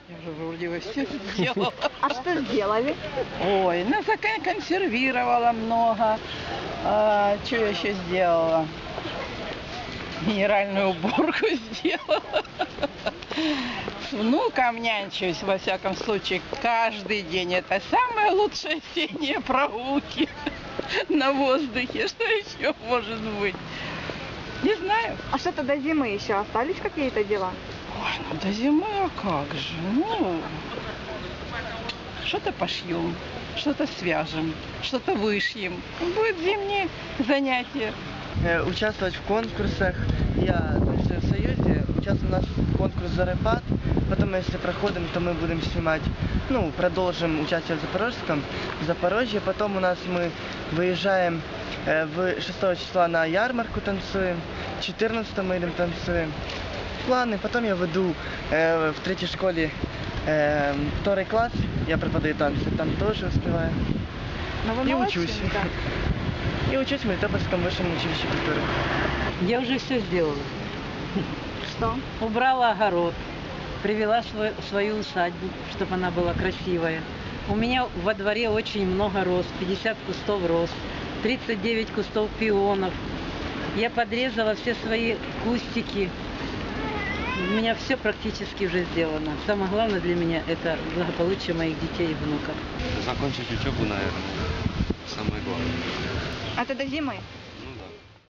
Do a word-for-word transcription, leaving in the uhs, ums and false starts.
Я же вроде бы все сделала. А что сделали? Ой, ну законсервировала много. А, что я еще сделала? Генеральную уборку сделала. С внуком нянчусь, во всяком случае, каждый день. Это самые лучшие осенние прогулки на воздухе. Что еще может быть? Не знаю. А что-то до зимы еще остались какие-то дела? Ой, ну до зимы, а как же? Ну, что-то пошьем, что-то свяжем, что-то вышьем. Будет зимние занятия. Э, участвовать в конкурсах. Я значит, в Союзе участвую, у нас конкурс «Зарепат». Потом, если проходим, то мы будем снимать, ну, продолжим участие в Запорожском, в Запорожье. Потом у нас мы выезжаем э, в шестого числа на ярмарку танцуем, четырнадцатого мы идем танцуем. Планы. Потом я веду э, в третьей школе э, второй класс, я преподаю танцы, там тоже успеваю. Ну, вы И молодцы, учусь. да. И учусь в Мелитопольском высшем училище культуры. Я уже все сделала. Что? Убрала огород, привела свой, свою усадьбу, чтобы она была красивая. У меня во дворе очень много роз, пятьдесят кустов роз, тридцать девять кустов пионов. Я подрезала все свои кустики. У меня все практически уже сделано. Самое главное для меня – это благополучие моих детей и внуков. Закончить учебу, наверное, самое главное. А это до зимы?